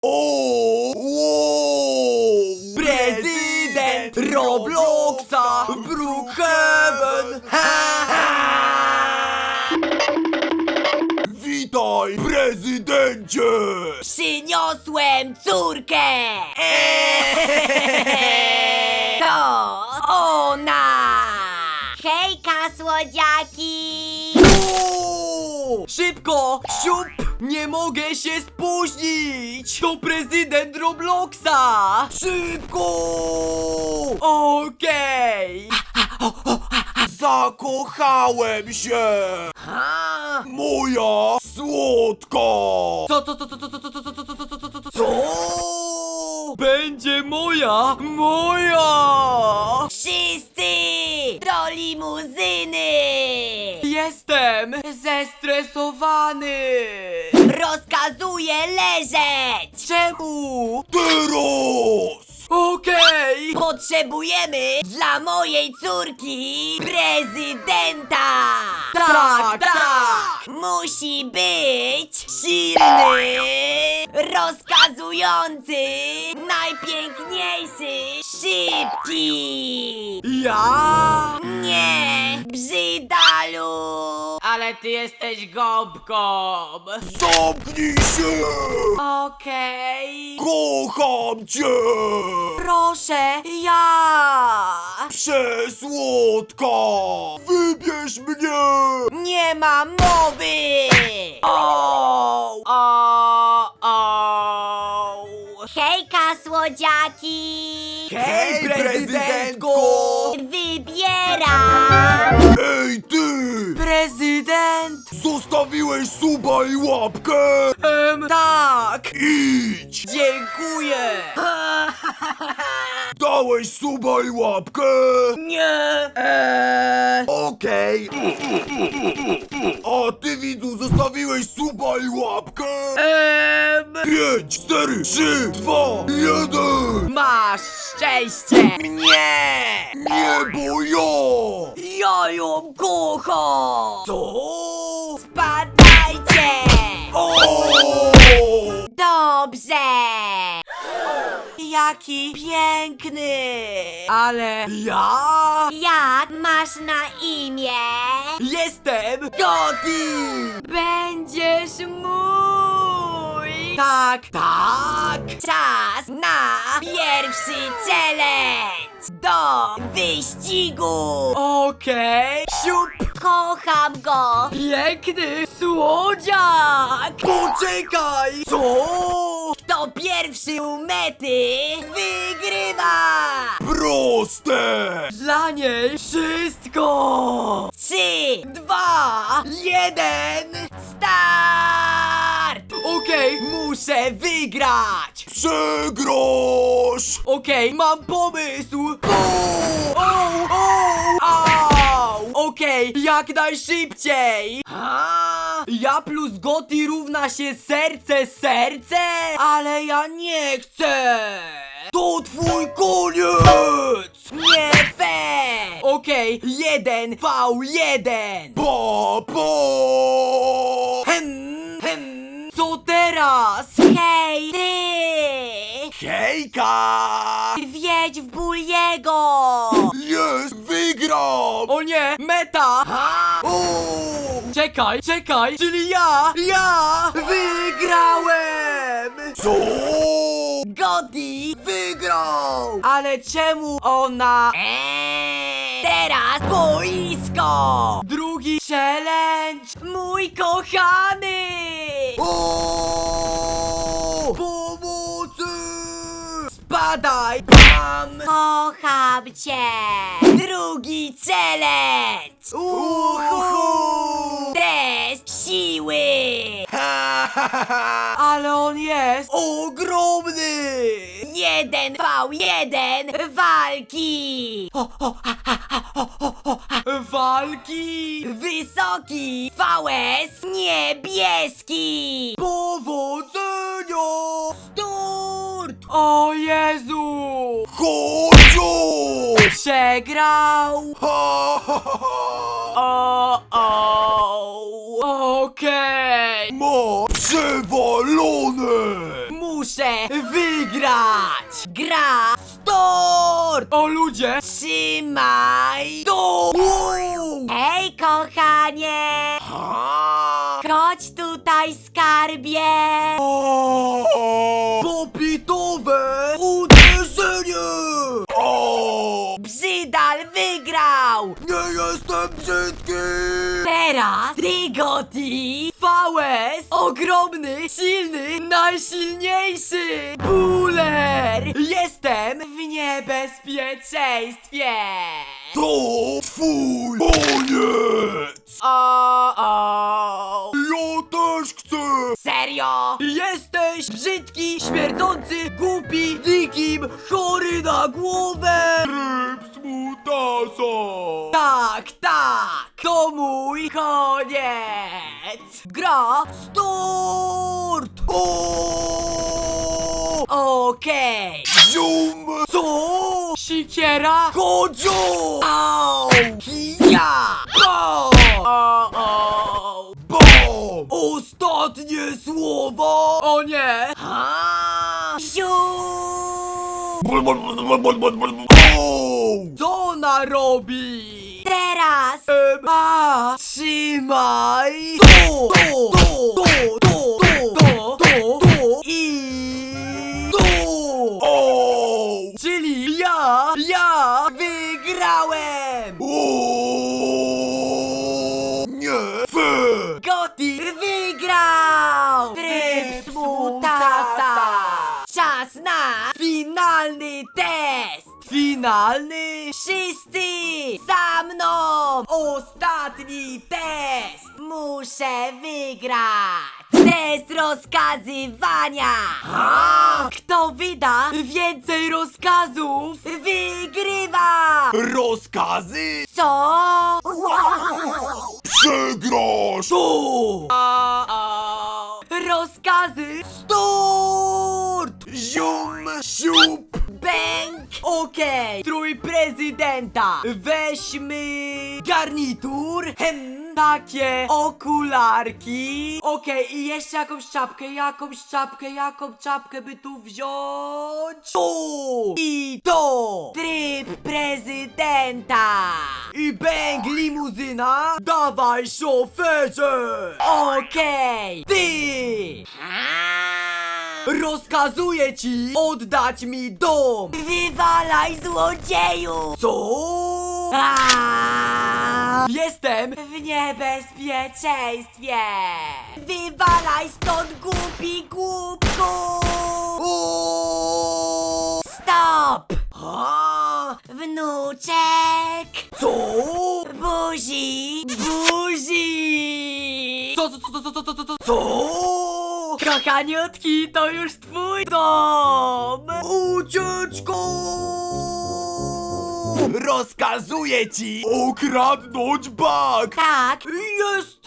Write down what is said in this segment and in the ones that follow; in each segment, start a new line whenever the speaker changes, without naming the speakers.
O! Wow!
Prezydent Robloxa w Brookhaven! Ha, ha!
Witaj, prezydencie!
Przyniosłem córkę! To ona! Hejka, słodziaki!
O! Szybko! Siup! Nie mogę się spóźnić! To prezydent Robloxa! Szybko! Okej!
Zakochałem się!
Ha?
Moja słodka!
Co? Będzie moja! Moja!
Wszyscy do limuzyny!
Jestem zestresowany!
Rozkazuję leżeć!
Czemu?
Teraz!
Okej!
Potrzebujemy dla mojej córki prezydenta!
Tak, tak!
Musi być silny, rozkazujący, najpiękniejszy, szybki!
Ja?
Nie, brzydalu!
Ale ty jesteś gąbką!
Zamknij się!
Okej!
Kocham cię!
Proszę, ja!
Przesłodka! Wybierz mnie!
Nie ma mowy!
O!
Hejka, słodziaki!
Hej, prezydentko!
Wybieram!
Ej ty!
Prezydent!
Zostawiłeś suba i łapkę?
Tak!
Idź!
Dziękuję!
Dałeś suba i łapkę?
Nie!
Okej. A ty, widzu, zostawiłeś suba i łapkę? 5, 4, 3, 2, 1.
Masz szczęście!
Nie!
Nie, bo ja!
Ja ją kocham!
Co?
Spadajcie!
O!
Dobrze!
Jaki piękny! Ale ja
Jak masz na imię?
jestem Gotti!
Będziesz mój!
Tak, tak!
Czas na pierwszy challenge! Do wyścigu!
Okej! Siup!
Kocham go!
Piękny słodziak! Poczekaj! Co?
Kto pierwszy u mety wygrywa!
Proste!
Dla niej wszystko!
3,
2, 1!
start!
Okej, muszę wygrać!
Przegrasz!
Okej, mam pomysł! Au! Okej, jak najszybciej! Ja plus Gotti równa się serce? Ale ja nie chcę! To twój koniec!
Nie fair!
Okej, 1v1!
Pa!
Co teraz?
Hej, ty!
Hejka!
Wjedź w Buliego!
Jest! Wygram!
O nie, meta! Czekaj, czyli ja wygrałem!
Co?
Gotti wygrał!
Ale czemu ona?
Teraz boisko!
Drugi challenge!
Mój kochany!
Pomocy! Spadaj! Bam!
Kocham cię! Drugi challenge! Test siły!
Ale on jest ogromny!
1v1 walki!
Walki!
Wysoki VS niebieski!
Powodzenia!
Start!
O Jezu!
Chodź!
Przegrał! Okej!
Ma przewalone!
Muszę muszę wygrać!
Gra start!
O ludzie!
Trzymaj to! Hej, kochanie! Chodź tutaj, skarbie!
Popitowe uderzenie!
Brzydal wygrał!
Nie jestem brzydki!
Teraz Trigoti!
VS! Ogromny, silny, najsilniejszy! Buller! Jestem w niebezpieczeństwie!
To twój koniec!
O.
Ja też chcę!
Serio?
Jesteś brzydki, śmierdzący, głupi, nikim, chory na głowę!
Ryb smutasa!
Tak, tak! To mój koniec! Gra start! Okej!
Zium!
Co? Sikiera? Kodzio! Au! Ja! O!
Bom!
Ostatnie słowo! O nie!
Ziu!
Co ona robi?
Teraz!
Trzymaj! I... Czyli ja wygrałem!
Nie! Fair!
Gotti
Wygrał!
Tryb
smutasa! Czas na
finalny test! Finalny?
wszyscy za mną!
Ostatni test!
Muszę wygrać! Test rozkazywania!
Kto wyda więcej rozkazów?
Wygrywa!
Rozkazy?
Co?
Przegrasz!
Tu! Rozkazy start!
Zium! Siup!
Bęk! Okej, strój prezydenta. Weźmy garnitur. Takie okularki. Okej, i jeszcze jakąś czapkę by tu wziąć. Tu! I to!
Tryb prezydenta!
I bęk limuzyna. Dawaj, szoferze! Okej, ty! Rozkazuję ci oddać mi dom!
Wywalaj, złodzieju!
Co? Jestem
W niebezpieczeństwie! Wywalaj stąd, głupi głupku! Stop! Wnuczek!
Co?
Buzi!
Buzi! Co? Kochaniutki, to już twój dom! Ucieczko!
Rozkazuję ci okradnąć bank!
Tak!
Jest!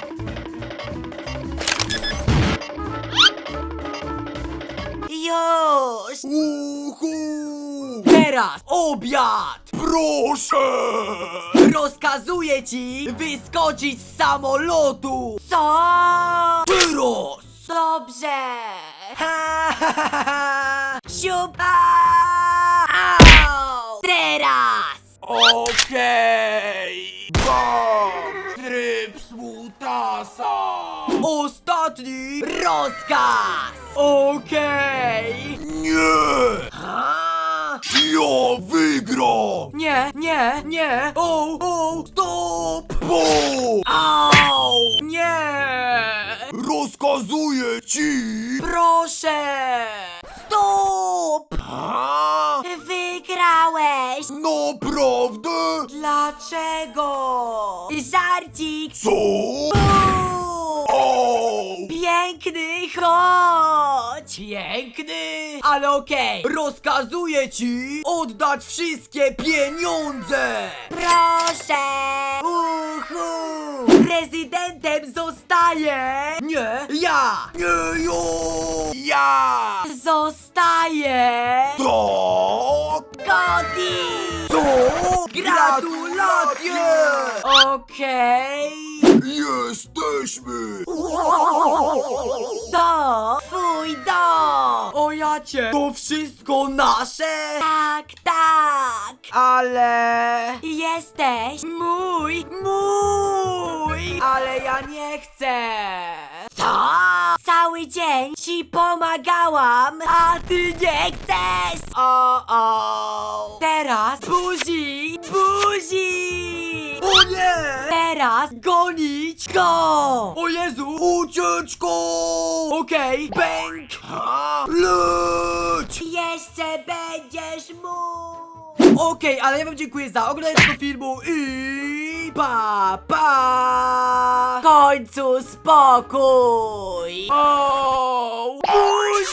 Już!
Uhu!
Teraz obiad!
Proszę!
Rozkazuję ci wyskoczyć z samolotu!
Co?
Teraz!
Dobrze! Siupa! Au! Teraz!
Okej! Bam! Tryb smutasa!
Ostatni rozkaz! Okej!
Nie! Ja wygram!
Nie! Stop!
Bom!
Au! Nie!
Rozkazuję ci!
Proszę!
Stop!
A?
Wygrałeś!
Naprawdę?
Dlaczego?
Żarcik!
Co? O!
Piękny, chodź!
Piękny! Ale okej, rozkazuję ci oddać wszystkie pieniądze!
Proszę!
Prezydentem zostaje! Nie, ja!
Nie ja! Ja!
Zostaje!
Tak!
Cody!
Co?
Gratulacje! Okej!
Jesteśmy!
To twój dom!
O jacie, to wszystko nasze?
Tak, tak!
Ale...
Jesteś
Mój! Ale ja nie chcę!
co? Cały dzień ci pomagałam, a ty nie chcesz!
O!
Teraz
Buzi!
o
nie!
Teraz
Gonić
go!
O Jezu! Ucieczko! Okej, bęk!
Leć!
Jeszcze będziesz mógł!
Okej, ale ja wam dziękuję za oglądanie tego filmu i pa!
W końcu spokój!
O! Buzi!